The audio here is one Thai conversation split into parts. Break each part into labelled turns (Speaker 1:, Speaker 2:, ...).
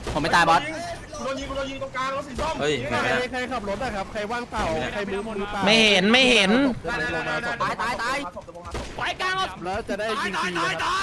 Speaker 1: ผมไม่ตายบอส
Speaker 2: โดนยิงตรงกลางรถสีส้ม
Speaker 3: เฮ้ย
Speaker 4: ใครขับรถนะครับใครว่างเปล่าใครมือเปล่า
Speaker 1: ไม่เห็น
Speaker 2: ตาย
Speaker 1: ไปกลาง
Speaker 4: แล้วจะได้ยิงฟรีนะครับ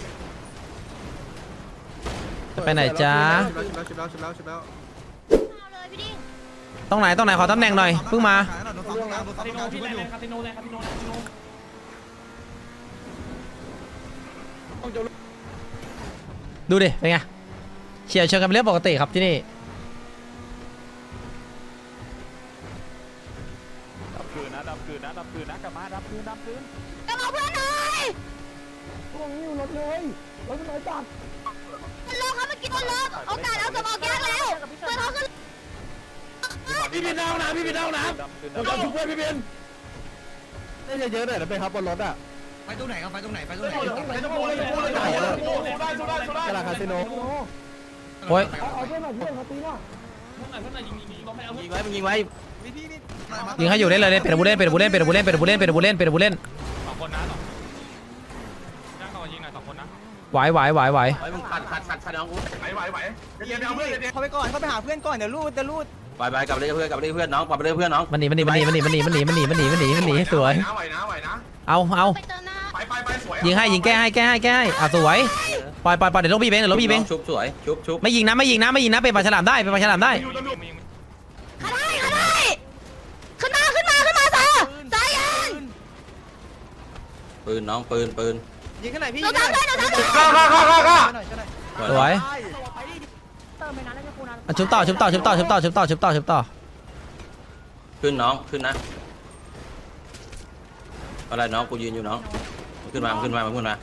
Speaker 1: จะไปไหนจ้า
Speaker 4: ชิบแล้ว
Speaker 1: ตรงไหนขอตำแหน่งหน่อยเพิ่งมาดูดิเป็นไงเฉียวชนกันเป็นเรื่องปกติครับที่นี่
Speaker 5: ดับคืนนะกลับมาดับคืนกลับมาเพื่อนหน่อยพวกนี้อยู่รถเลยรถมันน้อยจัดมันลงครับเมื่อกี้มันลงโอกาสเอาสมองแก้แล้วเพื่อนเขาขึ้น
Speaker 4: พี่บินเอานะพี่บินเอานะเราจะช่วยพี่บินได้เยอะๆหน่อยนะไปครับบนรถอ่ะ
Speaker 6: ไปตรงไหนครับไปตรงไหน
Speaker 2: ไปตรงโมเลย
Speaker 4: กระลาคาสิโน
Speaker 1: โอ้ยยิงไว้ยิงให้อยู่ได้เลยเป็นผู้เล่น
Speaker 5: 2 คนนะ2นั่งต่อยิงหน่อย2 คนนะ
Speaker 1: ไหว
Speaker 3: มึงขัดน้องกู
Speaker 2: ไหวเดี๋ยวเอาเพื่อน
Speaker 6: เขาไปก่อนเขาไปหาเพื่อนก่อนเดี๋ยวรูด
Speaker 3: ไปกลับไปเพื่อนน้องกลับไปเพื่อนน้อง
Speaker 1: มันหนีสวยเอา
Speaker 2: ไปสวย
Speaker 1: ยิงให้ยิงแก้ให้อ่ะสวยปล่อยเดี๋ยวลบบีเบง
Speaker 3: ชุบสวยชุบ
Speaker 1: ไม่ยิงนะเป็นปลาฉลามได้
Speaker 5: ขึ้นมา
Speaker 6: สายยัน
Speaker 3: ปืนน้องปืน
Speaker 6: ยิงข้างไหนพี่
Speaker 2: เข้า
Speaker 1: สวยชุบต่อ
Speaker 3: ขึ้นน้องขึ้นนะอะไรน้องกูยืนอยู่น้องขึ้นมาน้อง
Speaker 5: ยิง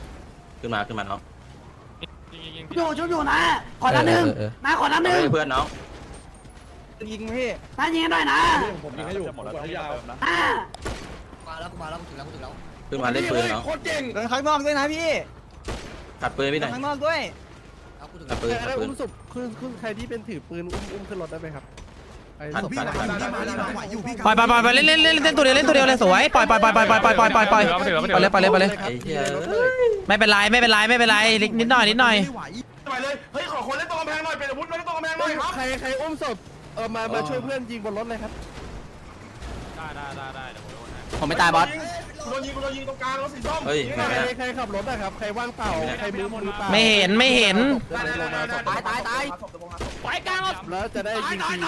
Speaker 6: อยู่นะขอนัดหนึ่งนะขอนัดหนึ่ง
Speaker 3: เพื่อนน้อง
Speaker 6: ยิงพี่น่ายิงหน่อยนะผมยิงให้อยู่หมดแล้วยาวมาแล้วถึงแล้ว
Speaker 3: ขึ้นมาเล่นปืนน้อง
Speaker 6: เดินข้างนอกด้วยนะพี่
Speaker 3: ขัดปืนพี่หน่อย
Speaker 6: ข้างนอกด้วย
Speaker 3: ขัดปืน
Speaker 4: อุ้มศพคือใครที่เป็นถือปืนอุ้มขึ้นรถได้ไหมครับ
Speaker 1: ปล่อยเล่นตัวเดียวเลยสวยปล่อยเลยไม่เป็นไรนิดหน่อย
Speaker 2: ไปเลยเฮ้ยขอคนเล่นตรงกำแพงหน่อยเป็นอาวุธเล่นตรงกำแพงหน่อยครับ
Speaker 4: ใครอุ้มศพมาช่วยเพื่อนยิงบนรถเลยครับ
Speaker 5: ได้
Speaker 1: ผมไม่ตายบอส
Speaker 2: โดนยิงตรงกลางรถสีส้ม
Speaker 3: เฮ้ย
Speaker 4: ใครขับรถนะครับใครว่างเปล่าใครมือเปล่า
Speaker 1: ไม่เห็น
Speaker 2: ไปกลาง
Speaker 4: แล้วจะได้ยิงฟรี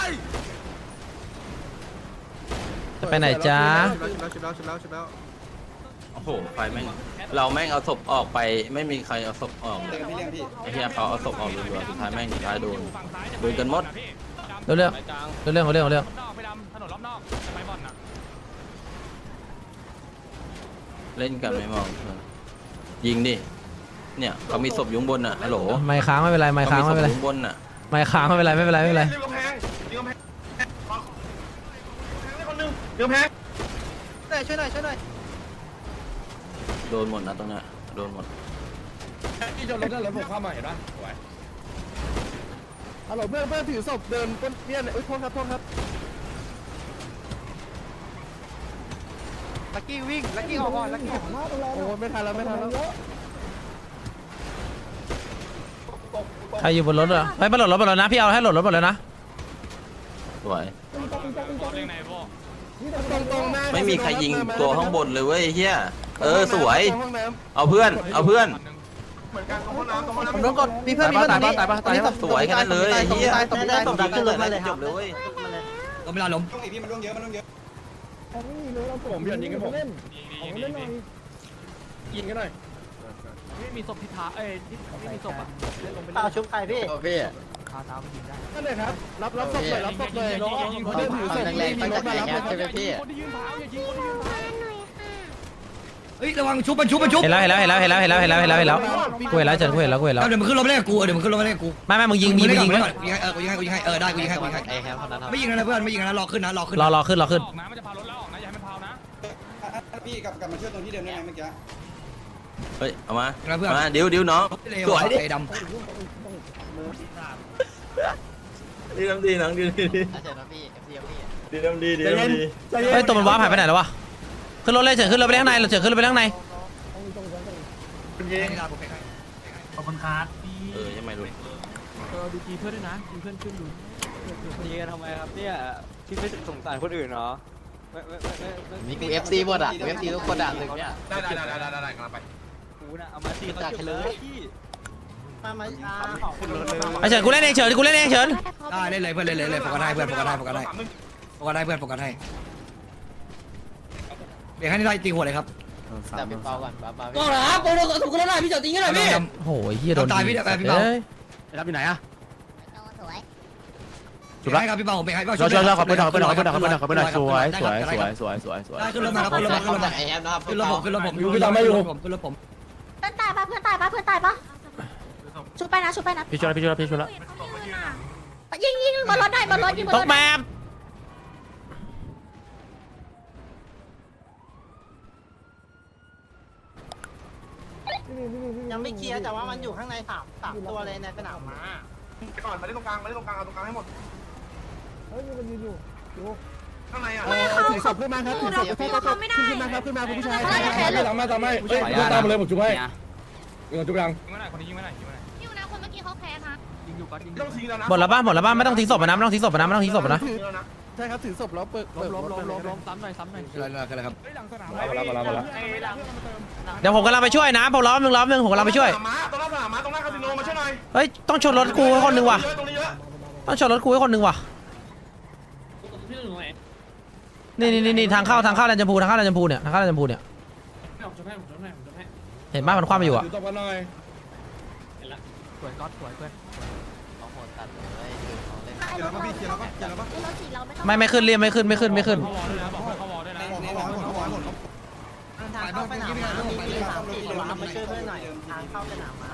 Speaker 1: จะไปไหนจ้า
Speaker 4: ชิบแล้ว
Speaker 3: โอ้โหไฟแม่งเราแม่งเอาศพออกไปไม่มีใครเอาศพออกไอ้เหี้ยเขาเอาศพออกรัวๆสุดท้ายแม่งโดนกันหมด
Speaker 1: เรื่อง
Speaker 5: ถนนรอบนอกไปบอลนะ
Speaker 3: เล่นกันไม่มองยิงดิเนี่ยเขามีศพอยู่บนน่ะฮัลโหล
Speaker 1: ไม่ค้างไม่เป็นไรไม่ค้างไม่เป็นไร
Speaker 3: บนน่ะ
Speaker 1: ไม่ค้างไม่เป็นไร
Speaker 2: ยิงกำแพง
Speaker 6: ช่วยหน่อย
Speaker 3: โดนหมดนะตรงนั้นโดนหมด
Speaker 4: ที่จนรถนั่นรถผมเข้ามาเห็นปะสวยฮัลโหลเพื่อนถือศพเดินเนี่ยโทษครับ
Speaker 6: ลักกี้วิ่งลักกี้ออกก่อนลักกี้
Speaker 4: โอ้ไม่ทันแล้ว
Speaker 1: ใครอยู่บนรถเหรอไม่บนรถนะพี่เอาให้หลดรถหมดเลยนะ
Speaker 3: สวย
Speaker 4: ตรงหน้า
Speaker 3: ไม่มีใครยิงตัวข้างบนเลยเว้ยเฮียสวยเอาเพื่อน
Speaker 2: เหมือนกันตรงห้องน้ำ
Speaker 6: ผมโดนกดมีเพื่อน
Speaker 1: ตาย
Speaker 3: สวยกันเลยเฮีย
Speaker 6: ตบขึ้นเลย
Speaker 3: จบเลยเว้ย
Speaker 6: ก็ไม่รอล้ม
Speaker 4: พี่มันต้องเยอะผมพี่ยิงกันผมยิงกันหน่อย
Speaker 5: ไม่มีศพพิธาไม่มีศพอ่ะ
Speaker 6: ตาชุบใครพี่
Speaker 5: คาเท้าไม่ยิงได้
Speaker 4: นั่นเลยครับรับศพเลย
Speaker 5: ยิงคนที่ยืนเท้า
Speaker 6: เฮ้ยระวังชุบมันชุบ
Speaker 1: เห็นแล้วกูเห็นแล้วเฉินกูเห็นแล้ว
Speaker 6: เดี๋ยวมันขึ้นรถไม่ได้กู
Speaker 1: ไม่มึงยิง
Speaker 6: กูยิงให้ได้กูยิงให้ไม่ยิงนะเพื่อนไม่ยิงนะรอขึ้น
Speaker 1: รอขึ้น
Speaker 5: มันจะพารถแล้วออกนะอย่าให้มันพาวนะ
Speaker 4: พี่กลับมาช่วยตรงที่เดิมได้ไหมเมื่อกี้
Speaker 3: เฮ้ยเอามาเดี๋ยวน้องสวยดิ
Speaker 6: ด
Speaker 3: ดีน้องดี
Speaker 1: เฮ้ยตัวมันว้าหายไปไหนแล้ววะขึ้นรถเลยเฉินขึ้นรถไปข้างในขึ้นรถไปข้างใน
Speaker 3: ยังไม่รู้
Speaker 4: ดูจีเพื่อนด้วยนะจีเพื่อนขึ้นดู
Speaker 7: ตีกันทำไมครับเนี่ยพี่ไม่สงสารคนอื่นเหรอไม่
Speaker 3: มีกู FC หมดอ่ะ FC ทุกคนอ่ะตึกเนี้ย
Speaker 2: ได้กำลังไป
Speaker 7: กูน่ะเอามาตีเขาเก็บเลยพี่
Speaker 1: ไอ้เฉินกูเล่นเองเฉินกูเล่นเองเฉิน
Speaker 6: ได้เล่นเลยเพื่อนเล่นเลยโฟกัสให้เพื่อนโฟกัสให้โฟกัสให้โฟกัสให้เพื่อนโฟกัสให้เดี๋ยวให้ได้ตีหัวเลยครับ
Speaker 3: แต่เป็นเปาก่อนป้า
Speaker 6: ก็เหรอครับโปรโตถูกกันแล้วพี่เจ้าตีกันหน่อยพี่
Speaker 1: โอ้ยเฮียโดน
Speaker 6: ตายพี่เดี๋ยวพี่เบา
Speaker 1: เอ้ย
Speaker 6: รับอยู่ไหนอะ
Speaker 5: สวย
Speaker 6: จุดไรครับพี่เบาผมไปให้
Speaker 4: ช่วยขอบคุณหน่อยสวยได้ขึ้นรถมาครับขึ้นรถมาขึ้นรถมา
Speaker 3: ไอแอมนะครับ
Speaker 6: ขึ้นรถผมขึ้นรถผม
Speaker 4: พี่ตามไม่อยู่
Speaker 6: ขึ้นรถผม
Speaker 5: เพื่อนตายปะเพื่อนตายปะเพื่อนตายปะชุบไปนะชุบไปนะ
Speaker 4: พี่ช่วยแล้ว
Speaker 5: ยิงบนรถได้บนรถยิงบน
Speaker 1: ต
Speaker 5: ร
Speaker 1: ก
Speaker 5: ถ
Speaker 1: แม
Speaker 5: ได้
Speaker 1: ป
Speaker 8: ยังไม่เคลียร์แต่ว่ามันอยู่ข้างในสามตัวเลยในสนามม้า
Speaker 2: ก่อนมาเล่นตรงกลางเอาตรงกลางให้หมดข้างในอ่ะ
Speaker 4: ถือศพขึ้นมาครับถือศพขึ้นมาครับขึ้นมาคุณผู้ชาย
Speaker 2: ตามมาเฮ้ยตามมาเลยผมจุ๊บให้จุ๊บยัง
Speaker 5: อยู่นะคนเมื่อกี้เขาแพ้นะ
Speaker 2: ต้องทิ้งแล้วนะ
Speaker 1: หมดแล้วบ้านไม่ต้องทิ้งศพนะไม่ต้องทิ้งศพนะไม่ต้องทิ้งศพนะ
Speaker 4: ใช่ครับถือศพแล้วเปิดล้มซ้ำหน่อย
Speaker 6: อะไรครับ
Speaker 2: มา
Speaker 1: เดี๋ยวผมกำลังไปช่วยนะผมล้อมหนึ่งผมกำลังไปช่วย
Speaker 2: ตรงหน้าคาสิโนมาช่วยหน่อย
Speaker 1: เฮ้ยต้องชนรถกูให้คนหนึ่งว่ะ
Speaker 2: ตรงนี้เยอะ
Speaker 1: ต้องชนรถกูให้คนหนึ่งว่ะนี่ทางเข้าแลนด์ชมพูเนี่ยเห็นบ้านมันคว่ำไปอยู่อ่ะ
Speaker 2: ถือตบกันหน่อย
Speaker 7: สวยก๊อตสวยเพื่อน
Speaker 3: เอาโหดตัดเลย
Speaker 5: รถสีเราไม่ต้อง
Speaker 1: ไม่ขึ้นเรียมไม่ขึ้น
Speaker 8: ทางเข้าสนามม้ามี3-4ตัวมาช่วยเพื่อนหน่อยทางเข้าสนามม้า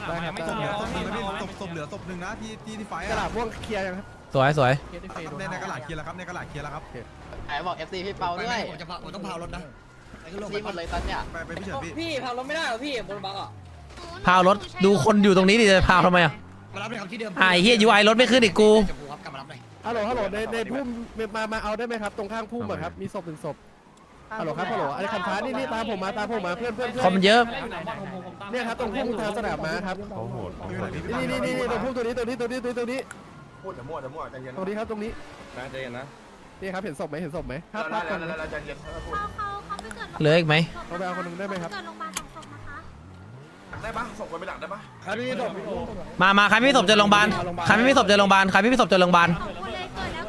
Speaker 4: ศพเหลือศพหนึ่งนะที่ไฟกระดาษม่วงเคลียร์ยังครับ
Speaker 1: สวย
Speaker 4: ในกระดาษเคลียร์แล้วครับในกระดาษเคลียร์แล้วครับ
Speaker 3: ไอ้บอก FC พี่เปาด้วย
Speaker 6: ผมต้องเผารถนะ
Speaker 3: FC หมดเลยตอนเนี้ย
Speaker 4: ไปพี่เฉินพี่
Speaker 8: พี่เผารถไม่ได้หรอพี่บนบังอ่ะ
Speaker 1: พาวรถดูคนอยู่ตรงนี้ดิจะพาวทำไมอ่ะ
Speaker 6: มารับเลยครับที่เดิม
Speaker 1: ไอ้เฮียยูไอรถไม่ขึ้นอีกกู
Speaker 6: กลับมารับเลย
Speaker 4: ฮัลโหลในพุ่มมาเอาได้ไหมครับตรงข้างพุ่มครับมีศพหนึ่งศพฮัลโหลครับฮัลโหลไอ้คันฟ้านี่ตามผมมาเพื่อน
Speaker 1: คนมันเยอะ
Speaker 4: เนี่ยครับตรงพุ่มทางสนามม้าครับนี่ตรงพุ่มตัวนี้
Speaker 2: พูดแต่มั่วใจเย็น
Speaker 4: ตรงนี้ครับตรงนี้
Speaker 2: นะใจเย็นนะ
Speaker 4: นี่ครับเห็นศพไหมภาพ
Speaker 2: แล้วใจเย็นพูด
Speaker 5: เขาไม่เกิด
Speaker 1: เหลืออีกไหม
Speaker 4: เขาไปเอาคนนึงได้ไหมครับ
Speaker 5: เกิดโรงพยาบาล2 ศพนะคะ
Speaker 2: ได้ปะส่งคนไปดักได้ปะ
Speaker 4: ครับนี่ศพ
Speaker 1: มาใครไม่มีศพเจอโรงพยาบาลใครไม่มีศพเจอโรงพยาบาล
Speaker 5: 2 คนเลยเกิดแล้ว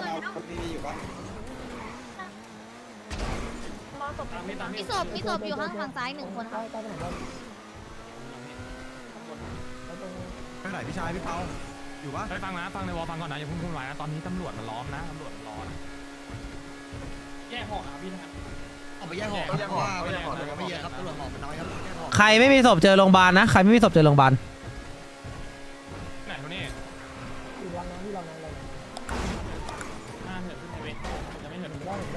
Speaker 5: มีศพอยู่ข้างฝั่งซ้าย1 คนค่ะ
Speaker 4: ไปไหนพี่ชายพี่เปาอยู่ปะ
Speaker 7: ฟังในวอลฟังก่อนนะอย่าเพิ่งพูดไว้นะตอนนี้ตำรวจมันล้อมนะตำรวจรอนะแยกห่อนะพี่นะครับ
Speaker 6: เอาไปแยกห่อว่าไม่เยอะครับตำรวจห่อมันน้อยครับแยกห่อ
Speaker 1: ใครไม่มีศพเจอโรงพยาบาลนะใครไม่มีศพเจอโรงพยาบาล
Speaker 7: ไหนตัวนี้เหินขึ้นไปเว้ยจะไม่เหิน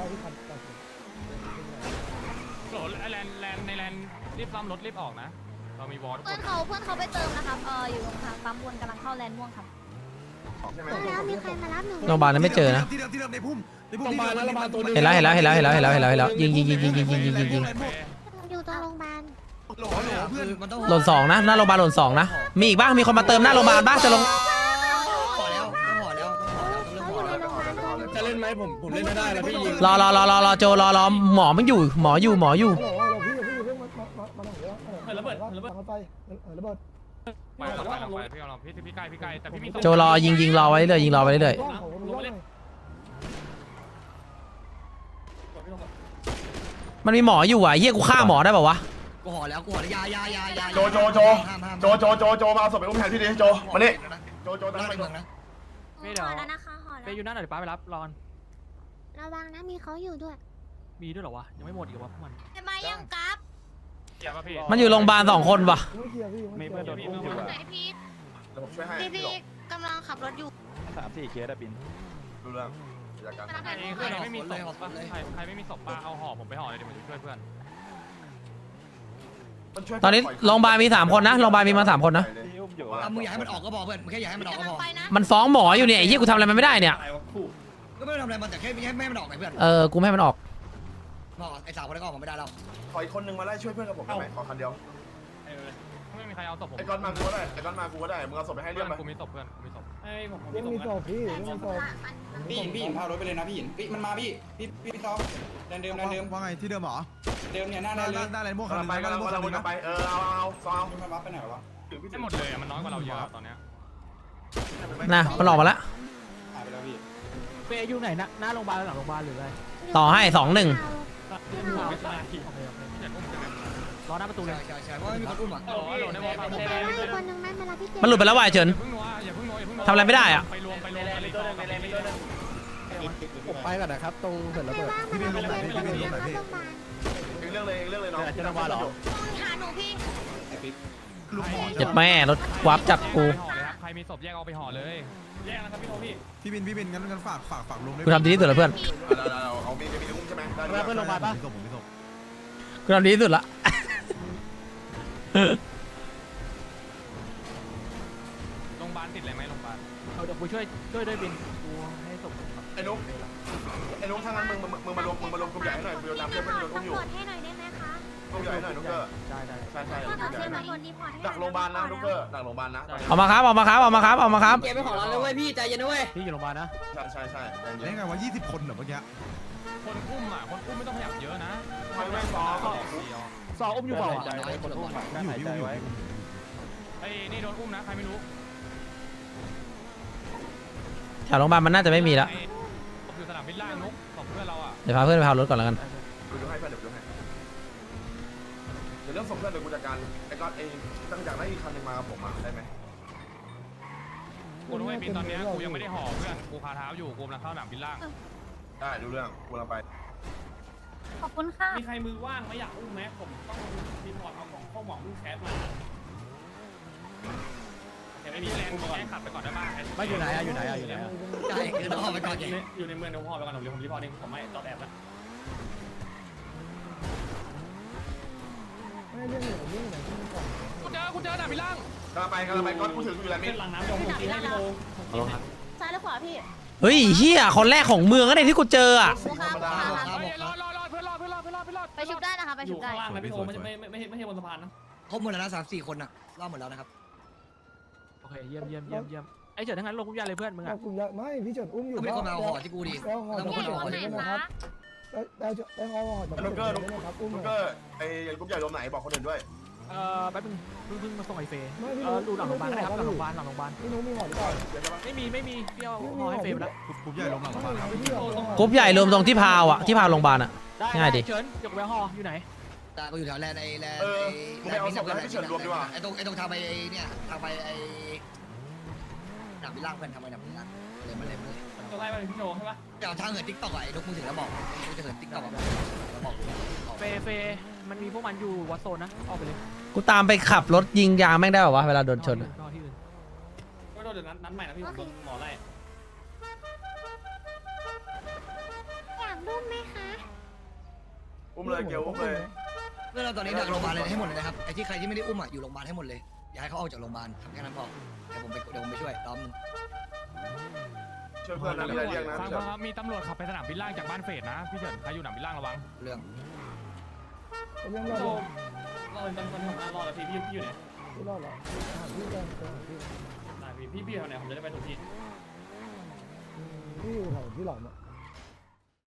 Speaker 7: โหลแลนในแลนรีบซ่อมรถรีบออกนะเรามีวอลทุก
Speaker 5: เพื่
Speaker 7: ค
Speaker 5: อน นเขาไปเติมนะครับอยู่ตรงทางปั๊มวนกำลังเข้าแลนด์ม่วงครับ
Speaker 2: ใช่ไหม
Speaker 5: แล้วมีใครมารับหนู
Speaker 1: โรงพยาบาลนั้นไม่เจอนะ
Speaker 4: ที่เดิมในพุ่มมาแล้วมาตัวนึง
Speaker 1: เห็นแล้วยิง
Speaker 5: อยู่ตรงโรงพยาบาล
Speaker 4: โหลเพื่อนมันต้อง
Speaker 1: หล่น2นะหน้าโรงพยาบาลหล่น2นะมีอีกบ้างมีคนมาเติมหน้าโรงพยาบาลบ้างจะลง
Speaker 6: ห่อแล้วห่อแล้ว
Speaker 5: เขาอยู่ในโรงพยาบาลก่อน
Speaker 4: จะเล่นไหมผมเล่นไม่ได้แล้วพี่ยิง
Speaker 1: รอโจรอหมอมันอยู่หมออยู่
Speaker 7: ระเบิดไปพี่เอาพี่ไกลแต่พี่มี
Speaker 1: โจรอยิงรอไว้เรื่อยมันมีหมออยู่อ่ะเฮียกูฆ่าหมอได้ป่าวะ
Speaker 6: กูห่อแล้วยา
Speaker 2: โจมาเอาศพไปอุ้มแทนพี่ดิโจมานี่โจตั้งไป
Speaker 6: เมืองนะ
Speaker 5: ห่อแล้วนะคะห่อ
Speaker 7: ไป
Speaker 5: แล้ว
Speaker 7: อยู่นั่นหน่อยป้าไปรับรอน
Speaker 5: ระวังนะมีเขาอยู่ด้วย
Speaker 7: มีด้วยเหรอวะยังไม่หมดอีกวะพวกมัน
Speaker 5: ทำไมยังกราฟ
Speaker 7: เกี่ยวป่ะพี่
Speaker 1: มันอยู่โรงพยาบาล2 คนว่ะ
Speaker 7: มีเพื่อนโดนอุ้มอยู่
Speaker 5: ไหนพี่
Speaker 2: เดี๋ยวผมช่วยให้
Speaker 5: พี่กำลังขับรถอยู่
Speaker 7: 3-4 เคสอะบิน
Speaker 2: ดูเรื่องจัดการ
Speaker 7: ใครไม่มีศพใครไม่มีศพป้าเอาห่อผมไปห่อเลยเดี๋ยวผมจะช่วยเพื่อน
Speaker 1: ตอนนี้โรงพยาบาลมี3 คนนะโรงพยาบาลมีมา3 คนนะ
Speaker 6: มึงอยากให้มันออกก็บอกเพื่อนมึงแค่อยากให้มันออกก็
Speaker 5: กำลั
Speaker 6: พ
Speaker 5: ง
Speaker 6: อ
Speaker 5: ไปนะ
Speaker 1: มันฟ้องหมออยู่เนี่ยไอ้เหี้ยกูทำอะไรมันไม่ได้เนี่ย
Speaker 6: ก็ไม่ทำอะไรมันแต่แค่ไม่ให้มันออกไงเพื่อน
Speaker 1: กูไม่ให้มันออก
Speaker 6: ไอ้สาวคนนั้นก็ออกมาไม่ได้แล้ว
Speaker 2: ขออีกคนนึงมาไล่ช่วยเพื่อนกับผมได้ไหมขอคันเดียว
Speaker 7: ไม่มีมีใครเอาศพผม
Speaker 2: ไอ้ก้อนมากูก็ได้ไอ้ก้อนมากูก็ได้มึงเอาศพไปให้เรียบไป
Speaker 7: กูมีศพเพื่อนกูมีศพ
Speaker 5: ไอ้ผม
Speaker 4: ยังมีศพพี่ยังมีศพ
Speaker 6: พี่หญิงพารถไปเลยนะพี่หญิงมันมาพี่ซอแดนเดิมว่าไงที่เดิมเหรอเดิมเนี่ยหน้าแดนเลยหน้าแดนม่วง
Speaker 2: กำลังไปกำลังไปเอาซอง
Speaker 6: มันมาไปไหนวะ
Speaker 7: ได้หมดเลยมันน้อยกว่าเราเยอะตอนเนี้ย
Speaker 1: นะมันหลอกมาแล้ว
Speaker 6: หายไปแล้วพี่
Speaker 8: เฟย์อยู่ไหนนะหน้าโรงพยาบาลหลังโรงพยาบาลหรืออะไร
Speaker 1: ต่อให้2-1
Speaker 8: รอหน้าประตูเลย
Speaker 6: ใช่ว่าไม่มีคนอุ้มอ่ะ
Speaker 7: โอ้โหในวอลฟังผม
Speaker 5: คนนึงไม่เวลาพี่เจ
Speaker 1: มันหลุดไปแล้วว่ะไอ้เฉิน
Speaker 7: อย่าเพิ่งนัวอย่าเพิ่งนัว
Speaker 1: ทำอะไรไม่ได้อะ
Speaker 7: ไปรวมกันเลยตัวนึงไปเลยตัวนึง
Speaker 4: ผมไปก่อนนะครับตรงเสร็จระเบิด
Speaker 5: พี่เป็นลมไหนพี่เป็นลมไหนพี่
Speaker 2: เรื่องเลยน้อง
Speaker 4: จะระบาดหรอ
Speaker 5: หาหนูพี่
Speaker 1: เจ็บแม่รถวาร์ปจับกู
Speaker 7: ใครมีศพแยกเอาไปห่อเลยแยกนะครับพี่โทพี่
Speaker 6: พี่บินงั้นฝากลงด้วย
Speaker 1: กูทำดีที่สุดแล้วเพื่อน
Speaker 2: เอามีอุ้มใช่ไหม
Speaker 4: เพื่อนลงมาปะ
Speaker 1: กูทำดีที่สุดละ
Speaker 7: โรงพยาบาลติดอะไรไหมโรงพยาบาล
Speaker 8: เอาเดี๋ยวกูช่วยด้วยบินกูให้ศพ
Speaker 2: ไอ้นุ๊กถ้างั้นมึงมารวมกลุ่มใหญ่ให้หน่อยกูจะนำเพื่อนโดนอุ้มอยู่
Speaker 5: ตำรวจให้หน่อยได้ไหมคะ
Speaker 2: กลุ่มใหญ่ให้หน่อยนุ๊กเกอร์
Speaker 8: ได้
Speaker 2: ใช่
Speaker 5: ก็เอาเทียมมาคนรีพอร์ตให้
Speaker 2: ดักโรงพยาบาลนะนุ๊กเกอร์ดักโรงพยาบาลนะ
Speaker 1: เอามาครับเอามาครับเอามาครับเอามาครับ
Speaker 8: เก็บไปของเราเลยเว้ยพี่ใจเย็นนะเว้ย
Speaker 4: พี่อยู่โรงพยาบาลนะ
Speaker 2: ใช่
Speaker 6: ได้ไงวะ20 คนเหรอเมื่อกี้
Speaker 7: คนอุ้มไม่ต้องขยับเยอะนะ
Speaker 2: ไม่ซ้อม
Speaker 8: ซออุ้มอยู่เปล่า
Speaker 6: อยู่
Speaker 7: ไอ้นี่โดนอุ้มนะใครไม่รู้
Speaker 1: แถวโรงพยาบาลมันน่าจะไม่มีแล้ว
Speaker 7: ผมอยู่สนามบินล่างนุ๊กของเพื่อนเราอ่ะ
Speaker 1: เดี๋ยวพาเพื่อนไปพารถก่อนแล้วกัน
Speaker 2: ดูให้เพื่อนเดี๋ยวเรื่องส่งเพื่อนเดี๋ยวกูจัดการไอ้ก้อนไอ้ตั้งจากได้อีกคันนึงมากับผมได้ไหม
Speaker 7: กูรู้ไอ้บินตอนเนี้ยกูยังไม่ได้ห่อเพื่อนกูคาเท้าอยู่กูกำลังเข้าสนามบินล่าง
Speaker 2: ได้ดูเรื่องกูเราไป
Speaker 5: ขอบคุณค่ะ
Speaker 7: มีใครมือว่างไม่อยากอุ้มไหมผมต้องรีพอร์ตเอาของข้อหมองลูกแคสมาแต่ไม่มีแรงแค่ขับไปก่อนได้บ้าง
Speaker 8: ไม่อยู่ไหนอยู่ไหน
Speaker 6: ใช่คือต้องไปก่อน
Speaker 7: อยู่ในเมืองเดี๋ยวพ่อไปก่อนผมรีพอร์ตเองผมไม่ตอบแอบแล้ว
Speaker 4: ไม่เรื่องไหนที่มันก่อน
Speaker 7: กูเจอหนาบินล่าง
Speaker 2: กำลังไปก้อนกูถึงอยู่แล้วมิ
Speaker 7: เป็นหลังน้ำยงตีให้พี่โล
Speaker 5: ซ้ายหรือขวาพี่
Speaker 1: เฮ้ยเฮียคนแรกของเมืองก็ได้ที่กูเจออ่ะ
Speaker 7: รอเพื่อนรอ
Speaker 5: ไปชุบได้นะคะไป
Speaker 7: อ
Speaker 5: ชุ
Speaker 7: ยู่
Speaker 5: บได้
Speaker 7: ข้างล่างนะพี่โอไม่ใช่บนสะพานนะ
Speaker 6: ครบหมดแล้วนะ3-4 คนอ่ะรอบหมดแล้วนะครับ
Speaker 8: โอเคเยี่ยมไอ้เฉินทั้งนั้นลงกุญแจเลยเพื่อนมึง
Speaker 4: เอา
Speaker 8: อ่ะ
Speaker 4: กลุ่มยาไม่พี่เฉินอุ้มอยู่
Speaker 6: ก็มีคนมาเอาห่อที่กูดิ
Speaker 4: แล้วห่อ
Speaker 6: แล้ว
Speaker 4: จะ
Speaker 6: มีคน
Speaker 4: ห่
Speaker 6: เอา
Speaker 4: อ
Speaker 6: ห่อ
Speaker 4: ได้
Speaker 6: ที่
Speaker 4: นะครับได้ห่อจะ
Speaker 2: นุ๊กเกอร์
Speaker 4: นะครับอุ้ม
Speaker 2: นุ๊กเกอร์ไอ้กลุ่มใหญ่รวมไหนบอกคนอื่นด้วย
Speaker 8: แป๊บนึงเพิ่งมาส่งไอ้เฟย์ดูหลังโรงพยาบาลได้ครับหลังโรงพยาบาล
Speaker 4: พี่นุ๊กมีห่อหรือเปล่า
Speaker 8: ไม่มีพี่เอาห่อให้เฟย์ไปแล้ว
Speaker 6: กลุ่มใหญ่ลงหลังบ้าน
Speaker 1: กรุ๊ปใหญ่รวมตรงที่พาวอ่ะที่พาวโรงพยาบาลอ่ะ ง่ายดิ
Speaker 8: เฉินยกแววห่ออยู่ไหน
Speaker 6: แต่ก็อยู่แถวแลนด์ไอ้
Speaker 2: มึงไปเอาศพแล้วให้พี่เฉินรวมดีกว่า
Speaker 6: ไอ้ตรงทางไปเนี่ยทางไปไอ้หนังบินล่างเพื่อนทางไปหนังบินล่างเลยมาเลย
Speaker 7: ตัวไล่มาพี่โจใช่ปะ
Speaker 6: เดี๋ยวทางเหินติ๊กต็อกไอ้ลูกมึงถึงแล้วบอกกูจะเหินติ๊กต็อกแล้วบอก
Speaker 8: เฟย์มันมีพวกมันอยู่วัดโซนนะออกไปเลย
Speaker 1: กูตามไปขับรถยิงยางแม่งได้ป่าวะเวลาโดนชนอะ
Speaker 8: รอที่อื่น
Speaker 7: ก็โดนเดี๋ยวนัดใหม่นะพี่หมอไล่
Speaker 5: อยากรุ่มไหมคะ
Speaker 2: อุ้มเลยเกลอุ้มเลย
Speaker 6: เรื่องเราตอนนี้ดักโรงพยาบาลเลยให้หมดเลยนะครับไอ้ที่ใครที่ไม่ได้อุ้มอ่ะอยู่โรงพยาบาลให้หมดเลยอย่าให้เขาออกจากโรงพยาบาลทำแค่นั้นพอเดี๋ยวผมไปช่วยล้อมนึง
Speaker 2: ช่วยเพื่อนนะมีอะไรเรียกนะ
Speaker 7: ฟังครับมีตำรวจขับไปสนามบินล่างจากบ้านเฟดนะพี่เฉินใครอยู่สนามบินล่างระวัง
Speaker 6: เรื่อง
Speaker 4: เป็นยังไง
Speaker 7: โจรอเป็นตำรวจผมรอแล้วพี่อยู่ไหน
Speaker 4: พี่รอดเหรอพี่กันพี่
Speaker 7: พี่อยู่ไหนผมจะได้ไปถูกที่
Speaker 4: พี่อยู่แถวที่หลอมอ่ะ